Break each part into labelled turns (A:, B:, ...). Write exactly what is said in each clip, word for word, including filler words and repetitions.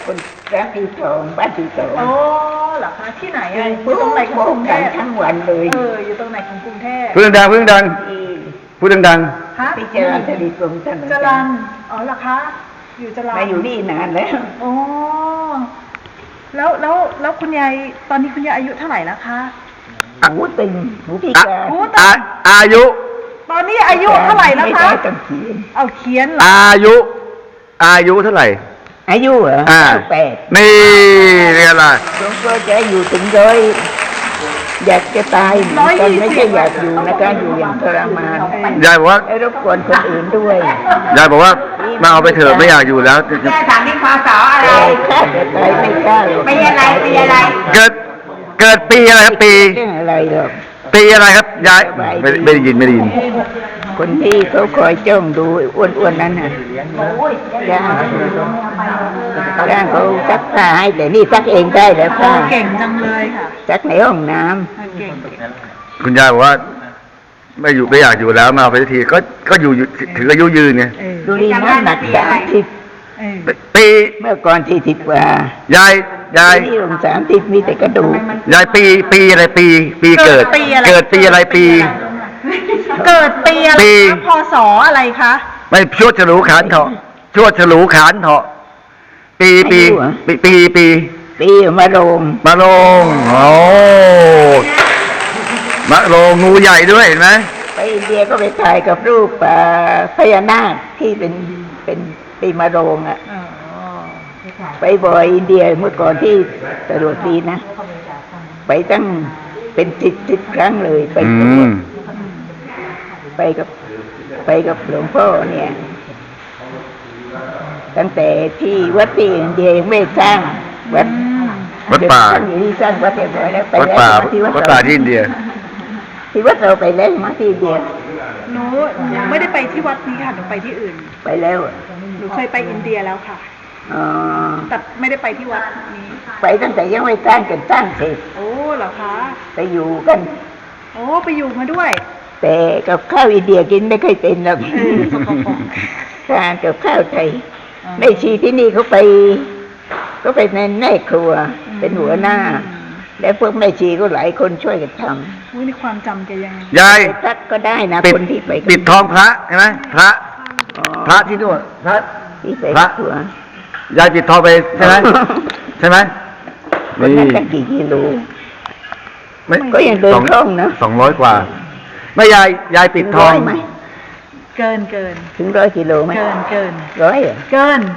A: คนรักที่สองบ้านที่สอง
B: โอ้เหรอคะที่ไหนอ่ะอยู่ตรงไหนของกรุงเทพ
A: ทั้งวันเลย
B: เอออยู่ตรงไหนของกรุงเทพ
C: พูดดังพูดดังพูดดัง
B: ฮะ
A: ที่เจริญทวีกรมถนน
B: จรัญอ๋อเหรอคะอยู่จรัญ
A: มาอยู่นี่นานแล้ว
B: โอ้แล้วแล้วแล้วคุณยายตอนนี้คุณยายอายุเท่าไหร่แล้วคะ
A: หูตึงหูพิการ
B: หูตึง
C: อายุ
B: ตอนนี้อายุเท่าไหร่แล้วคะเอาเขียน
C: อายุอายุเท่าไหร่
A: อายุเหรอแปด
C: นี่เรียกอะไร
A: หลวงพ่อจะอยู่ถึงร้อยอยากจะตายตอนไม่ใช่อยากอยู่นะการอยู่อย่างทรมาน
C: ยายบอกว่า
A: ให้รบกวนคนอื่นด้วย
C: ยายบอกว่ามาเอาไปเถอะไม่อยากอยู่แล้ว
D: แม่ถามที่พศอะไร
A: ฆ่าจะตายไม่กล้า
D: ปีอะไรปีอะไร
C: เกิดเกิดปีอะไรครับปี
A: อะไรหรอก
C: ปีอะไรครับยายไม่ไม่ได้ยินไม่ได้ยิน
A: คนที่เขาคอยจ้องดูอ้วนๆนั้นน่ะจ้างจ้างเขาซักผ้าให้แต่นี่ซักเองได้แล้วค่ะ
B: เก่งจังเลยค่ะ
A: ซักในห้องน้
C: ำคุณยายบอกว่าไม่อยู่ไม่อยากอยู่แล้วมาไปทีก็ก็อยู่ถึงอายุยืนไง
A: ดูดีน้ำหนักสามสิบ
C: ปี
A: เมื่อก่อนที่สิบกว่าย
C: ายยาย
A: ที่ลงสามสิบมีแต่กระดูก
C: ยายปีปีอะไรปีปีเกิดเกิดปีอะไรปี
B: เกิดปีอะไรพศอะไรคะ
C: ไม่ชวดฉลูขานเถาะชวดฉลูขานเถาะปีปีปีปีปี
A: ปีมะโรง
C: มะโรงโอ้มะโรงงูใหญ่ด้วยเห็นไหม
A: ไปอินเดียก็ไปถ่ายกับรูปพญานาคที่เป็นเป็นปีมะโรงอ่ะไปบ่อยอินเดียเมื่อก่อนที่ตรวจดีนะไปตั้งเป็นสิบสิบครั้งเลยไปไปกับไปกับหลวงพ่อเนี่ยตั้งแต่ที่วัดที่อินเดียไม่สร้างวัด
C: วัดป่า
A: อยู่ที่สร้างวัดเรียบร้อยแล้วไป
C: วัดป่าวัดป่าที่อินเดีย
A: ที่วัดเราไปแล้วมาที่อินเดีย
B: หนูไม่ได้ไปที่วัดนี้ค่ะหนูไปที่อื่น
A: ไปแล้ว
B: หนูเคยไปอินเดียแล้วค่ะแต่ไม่ได้ไปที่วัดนี้
A: ไปตั้งแต่ยังไม่สร้างกันสร้างเสร็จ
B: โอ้เหรอคะ
A: ไปอยู่กัน
B: โอ้ไปอยู่มาด้วย
A: แต่กับข้าวอินเดียกินไม่เคยเป็นหรอกทานกับข้าวไทยแม่ชีที่นี่เขาไปก็ไปในแม่ครัวเป็นหัวหน้าและพวกแม่ชีก็หลายคนช่วยกันทำ
B: อุ้ยในความจำแกยัง
C: ยาย
A: ทักก็ได้นะคนที่ไป
C: ปิดทองพระใช่ไหมพระพระที่นู่นพระ
A: ที่ไปพระ
C: ยายปิดทองไปใช่ไหมใช่ไหม
A: นี่ตั้งกี่กิโลก็ยังเดินคล่องนะ
C: สองร้อยกว่าไม่ยายยายปิดทอง
A: ไหม
B: เกินเกิน
A: ถึงร้อยกิโลไหม
B: เกินเกิน
A: ร้อยเหรอ
B: เกิน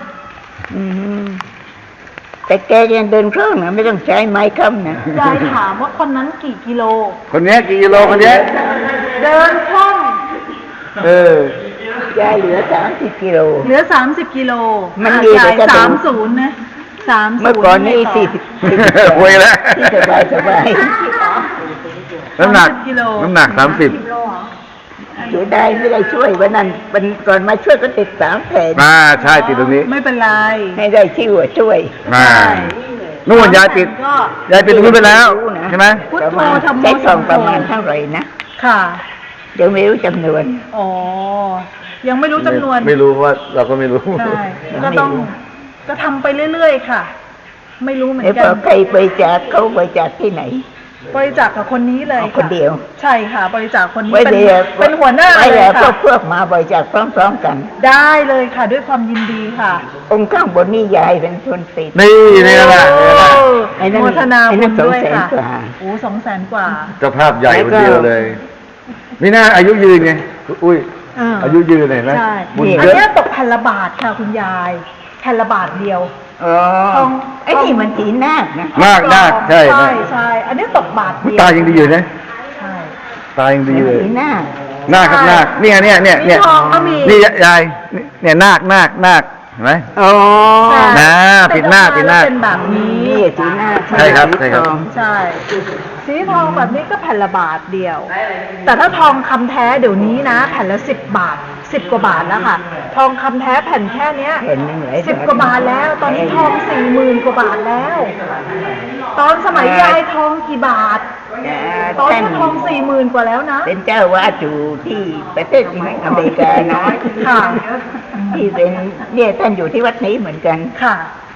A: แต่แกยังเดินคล่องนะไม่ต้องใช้ไม้ค้ำนะ
B: ยายถามว่าคนนั้นกี่กิโล
C: คนนี้กี่กิโลคนนี้
B: เดินคล่อง
C: เออย
A: ายเหลือสามสิบกิโล
B: เหลือสามสิบกิโล
A: มันดี
B: แต่สามศูนย์นะสาม
A: เมื่อก่อนนี่สี่สิบ
C: คุยแล้ว
A: ที่สบายสบาย
C: น้ำหนักน้ำหนักสามสิบ
A: เสียดายไม่ได้ช่วยวันนั้นวันก่อนมาช่วยก็ติดสามแผ่น
C: มาใช่ติดตรงนี้
B: ไม่เป็นไร
A: ให้ได้ชื่อว่าช่วย
C: มานู่นยายติดยายติดตรงนี้ไปแล้วใช่ไหม
A: ประมาณใช้ทองประมาณเท่าไหร่นะ
B: ค่ะ
A: เดี๋ยวไม่รู้จำนวน
B: อ๋อยังไม่รู้จำนวน
C: ไม่รู้ว่าเราก็ไม่รู้
B: ใช่ก็ต้องก็ทำไปเรื่อยๆค่ะไม่รู้เหมือนกัน
A: ใครบริจาคเขาบริจาคที่ไหน
B: บริจาคกับคนนี้เลย
A: คนเดียว
B: ใช่ค่ะบริจาคคนนี้เป็นเป็นหัวหน้า
A: เลยค่ะเพื่อมาบริจาคพร้อมๆกัน
B: ได้เลยค่ะด้วยความยินดีค่ะ
A: องค์ข้างบนนี่ยายเป็นคนติด
C: นี่นี่แหละ
B: โมทนาบุญด้วยค่ะโอ้สองแสนกว่า
C: เจ้าภาพใหญ่คนเดียวเลยนี่น่าอายุยืนไงอุ้ยอายุยืนเลยนะ
B: บุญเยอะอันนี้ตกพันละบาทค่ะคุณยายพันละบาทเดียว
A: ทองไอ้นี่มันสีนาคนะ
C: นาคนาคใช่
B: ใช่ใช่อันนี้ตกบาทเดียว
C: ตายังดีอยู่นะใช่ตายังดีเลย
A: สีนาค
C: นาคครับนาคเนี่ยเนี่ยเนี่ยเนี่ยนี่ยายเนี่ยนาคนาคนาคเห็นไหม
A: อ๋อ
C: นะปิดหน้าปิดหน้า
B: เป็นแบบนี้
A: สีนาค
C: ใช่ครับใช่ครับ
B: ใช่สีทองแบบนี้ก็แผ่นละบาทเดียวแต่ถ้าทองคำแท้เดี๋ยวนี้นะแผ่นละสิบบาทสิบกว่าบาทแล้วค่ะทองคำแท้แผ่นแค่เนี้ยสิบกว่าบาทแล้วตอนนี้ทองสี่หมื่นกว่าบาทแล้วตอนสมัยยายทองกี่บาทตอนนี้ทองสี่หมื่นกว่าแล้วนะ
A: เป็นเจ้าวาดอยู่ที่ประเทศอเมริกานะ
B: ค่ะ
A: ที่เป็นเนี่ยท่านอยู่ที่วัดนี้เหมือนกัน
B: ค่ะ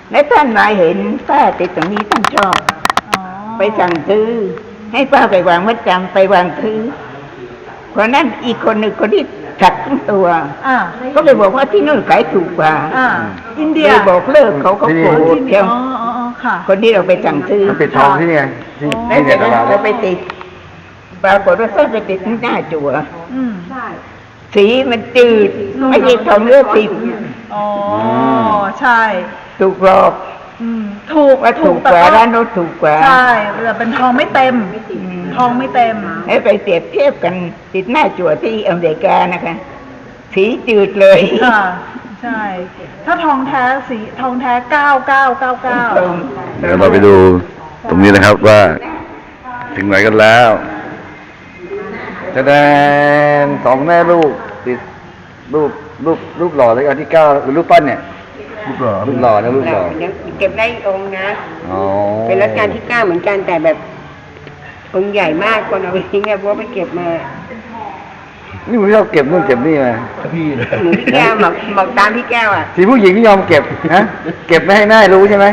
A: และท่านมาเห็นป้าติดตรงนี้ท่านชอบ
B: อ๋อ
A: ไปสั่งซื้อ ให้ป้าไปวางมัดจำไปวางซื้อเพราะนั้นอีกคนหนึ่งคนที่ถักทั้งตัว
B: อ่า
A: ก็เลยบอกว่าที่นู่นขายถูกกว่า
B: อ่า อินเดีย
A: เลยบอกเลิกเขาเขาโกรธ
B: อ๋
A: เชียว
B: ออ๋ออ๋อค่ะ
A: คนที่เราไปสั่งซื้อ
C: มันปิดทองที่นี่ไงที่
A: แล้ว
C: ที่
A: เสร็
C: เนี่
A: จ
C: ยต
A: แล้ว
C: ลาด
A: เราไปติดปรากฏว่าเขาไปติดที่หน้าจั่ว
B: อืม
A: สีมันจืดไม่ใช่ทองเลือดติด
B: อ๋อ ใช่
A: ถูกหลอก
B: อืม ถูก
A: ว่าถูกกว่าร้านโน้นถูกกว่า
B: ใช่แต่เป็นทองไม่เต็ม ทองไม่เต็ม
A: ให้ไปเปรียบเทียบกันติดหน้าจั่วที่อเมริกานะคะ สีจืดเลย
B: ค่ะ ใช่ ถ้าทองแท้สีทองแท้เก้าเก้าเก้าเก้า
A: ตรง
C: เดี๋ยวเราไปดูตรงนี้นะครับว่า ถึงไหนกันแล้วแสดงสองแม่ลูกติดรูปรูปรูปหล่อเลยอันที่เก้าหรือรูปปั้นเนี่ยรูปหล่อรูปหล่อนะรูปหล่อ
D: เก็บได้อีกองค์นะ
C: อ๋อ
D: เป็นรัชกาลที่เก้าเหมือนกันแต่แบบองค์ใหญ่มากคนเอาไปทิ้งอะเพราะว่าไปเก็บมา
C: นี่ผมชอบเก็บนู่นเก็บนี่มา
D: หนูพี่แก้วบอกบอกตามพี่แก้วอ่ะ
C: ทีผู้หญิงไม่ยอมเก็บนะเก็บไม่ให้แม่รู้ใช่ไหม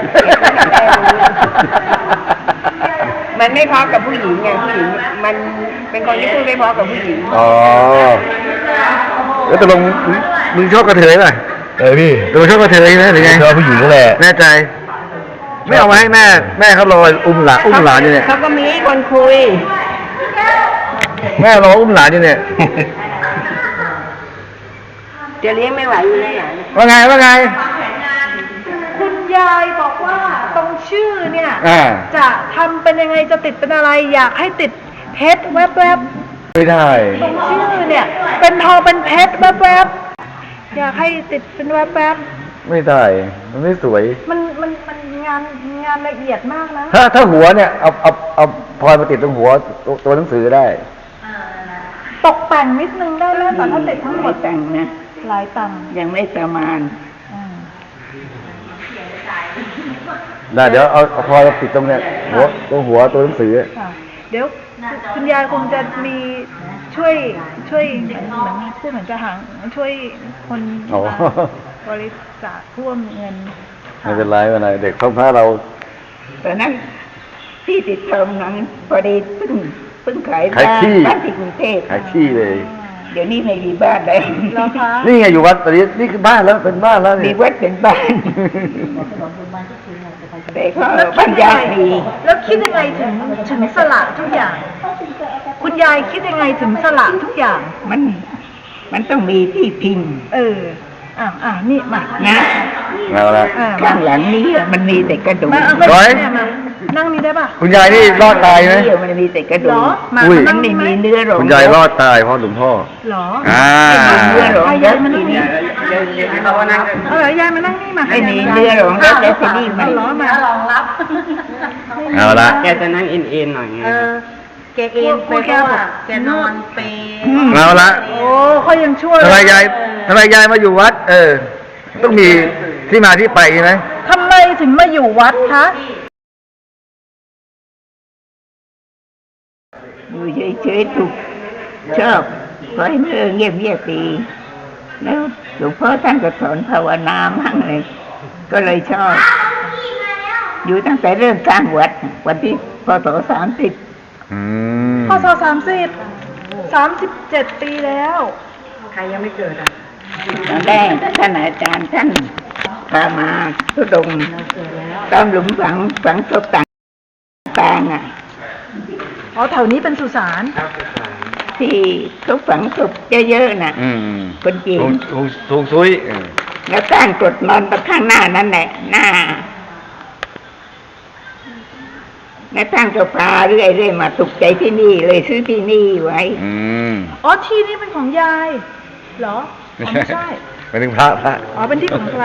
D: มันไม่พอกับผู้หญิงไงผู้หญิงมันเป็นคนที่พูดไม่พอกับผู้หญิง
C: อ๋อแล้วตกลงมึงชอบกระเทยป่ะ
E: เออพี่
C: ตกลงชอบกระเทยไหมหรือไง
E: ชอบผู้หญิงก็แหละ
C: แน่ใจ ไม่เอามาให้แม่ แม่เขารออุ้มหลานอุ้มหลานอยู่เนี่ย
D: เขาก็มีคนคุย
C: แม่รออุ้มหลานอยู่เนี่ย
D: จะเลี้ยงไม่ไหวอยู่แล้วหลาน
C: ว่าไงว่าไง
B: คุณยายบอกว่าตรงชื่อเนี่ย
C: อ่า
B: จะทำเป็นยังไงจะติดเป็นอะไร อยากให้ติดเพชรแวบ
C: ไม่ได้
B: ๆตรงชื่อเนี่ย เป็นทองเป็นเพชรแวบๆอยากให้ติดเป็นแวบ
C: ไม่ได้ มันไม่สวย
B: ๆมันมันมันงานงานละเอียดมากนะ
C: ถ้าถ้าหัวเนี่ยเอาเอาเอาพลอยมาติดตรงหัวตัวตัวหนังสือได้
B: ตกแต่งนิดนึงได้ไหมแต่ถ้าติดทั้งหม
A: ไม่
B: ด
A: แต่งนะ
B: หลายตังค์
A: ยังไม่ประมาณ
B: อ่า
C: ได้เดี๋ยวเอาเอาพลอยมาติดตรงเนี่ยหัวตรงหัวตัวหนังสือ
B: ค่ะเดี๋ยวคุณยายคงจะมีช่วยช่วยเหมือนพูดเหมือนจะหาช่วยคน
C: อ๋อ
B: บริจาคร่วมเงิน
C: ไม่เป็นไรไม่เป็นไรเด็กท้องพระเรา
A: ตอนนั้นที่ติดทองนั้นพอดีเพิ่งเพิ่งขาย
C: ขาย
A: บ้าน
C: ที่
A: บ้านที่กรุงเทพ
C: ขายที่เลย
A: เดี๋ยวนี้ไม่มีบ้านแล้ว
B: เหรอคะ
C: นี่ไงอยู่วัดตอนนี้นี่คือบ้านแล้วเป็นบ้านแล้ว
A: มี
C: นี่
A: วัดเป็นบ้านแต่ก็บ้านญาติมี
B: แล้วคิดยังไงถึงถึงสละทุกอย่าง คุณยายคิดยังไงถึงสละทุกอย่าง
A: มันมันต้องมีที่พิง
B: เอออ่ะอ่ะนี่มา
A: นะ
C: เอาละ
B: อ่ะ
A: ข้างหลังนี้อะมันมีแต่กระดูก
B: มาเอาไป
C: ร้อย
B: เนี่ยมานั่งนี่ได้ป่ะ
C: คุณยายนี่รอดตายไหม
A: นี่มันมีแต่กระดู
B: เหร
A: ก
B: อมา
C: อุ้ย
B: นั่
A: มัน
B: ง
A: ไม่
B: นี่ไหม
A: มีเนื้อหรอก
C: คุณยายรอดตายเพราะหลวงพ่อ
B: เหรอ
C: อ่า
A: เนื้อหรอก
B: ให้
A: แล้
B: ยายว มานั่
A: ที
B: ง
A: นี้
B: นี่เออยายมานั่งนี่มา
A: ไม่มีเนื้อหรอกแล้วแต่ทีนี้มัน
B: เหรอมารองรับ
C: เอาละ
D: แกจะนั่งเอ็นเอ็นหน่อยไง
B: เออแกเอ็นไปเพราะว่าแกนอนเป
C: เอาละ
B: โอ้เขายังช่วย
C: ทำไมยายทำไมยายมาอยู่วัด เออ ต้องมีที่มาที่ไปใช่ไหม
B: ทำไมถึงมาอยู่วัดคะ
A: อยู่เฉยๆถูกชอบขอให้เมื่อเงียบเงียบๆดีแล้วหลวงพ่อท่านก็สอนภาวนามั่งเลย ก็เลยชอบ อยู่ตั้งแต่เริ่มสร้างวัด วันที่พศสามสิบ
C: อืม
B: พศสามสิบสามสิบเจ็ดปีแล้ว
D: ใครยังไม่เกิดอ่ะ
A: ตอนแรกท่านอาจารย์ท่านพามาทุดงค์ตามหลุมฝังฝังศพต่างๆอ่ะ
B: อ๋อแถวนี้เป็นสุสาน
A: ที่เขาฝังศพเยอะๆน่ะ
C: อืม
A: คนจีน
C: ทงทงทงซุยเออ
A: แล้วสร้างกรดนอนตรงข้างหน้านั่นแหละหน้าแล้วท่านก็พาเรื่อยๆมาตกใจที่นี่เลยซื้อที่นี่ไว้
C: อืม
B: อ๋อที่นี่เป็นของยาย เหรออ๋อไม่ใช่
C: ไปถึงพระพระ
B: อ๋อเป็นที่ของพระ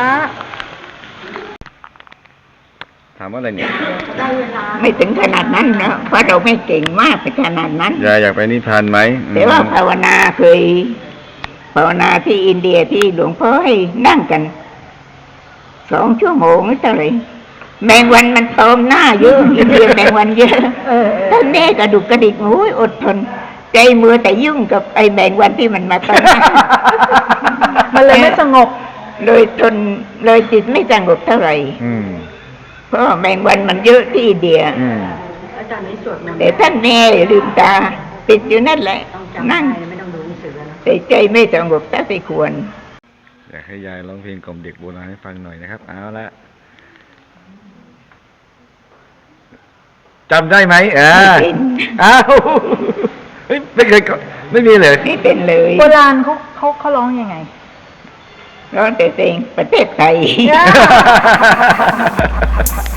C: ถามว่าอะไรเนี่ย
A: ไม่ถึงขนาดนั้นนะเพราะเราไม่เก่งมากไปขนาดนั้น
C: ยายอยากไปนิพพานไหมอืม
A: แต่ว่าภาวนาเคยภาวนาที่อินเดียที่หลวงพ่อให้นั่งกันสองชั่วโมงไม่เท่าไหร่แมงวันมันตอมหน้าเยอะอินเดียแมงวันเยอะ
B: เออเออ
A: ท่านแม่กระดุกกระดิกโอ้ยอดทน ใจมือแต่ยุ่งกับไอ้แมงวันที่มันมาตอมหน้า
B: มันเลยไม่สงบ
A: เลยทนเลยจิตไม่สงบเท่าไหร่
C: อืม
A: เพราะว่าแมงวันมันเยอะที่อินเดีย
C: อืม
B: อาจารย์นี้สวดมนต์
A: แต่ท่านแน่ลืมตาปิดอยู่นั่นแหละ นั่ง
B: ไม่ต้องดูหนังสือแล้วนะ
A: แต่ใจไม่สงบถ้าไปควร
C: อยากให้ยายร้องเพลงกล่อมเด็กโบราณให้ฟังหน่อยนะครับ เอาละจำได้ไหมอ่า
A: ไม่เป็น
C: อ้าวเฮ้ยไม่เคยก็ไม่มีเลย
A: ไม่เป็นเลย
B: โบราณเขาเขาเขาร้องยังไง
A: ร้องแต่เพลงประเทศไทย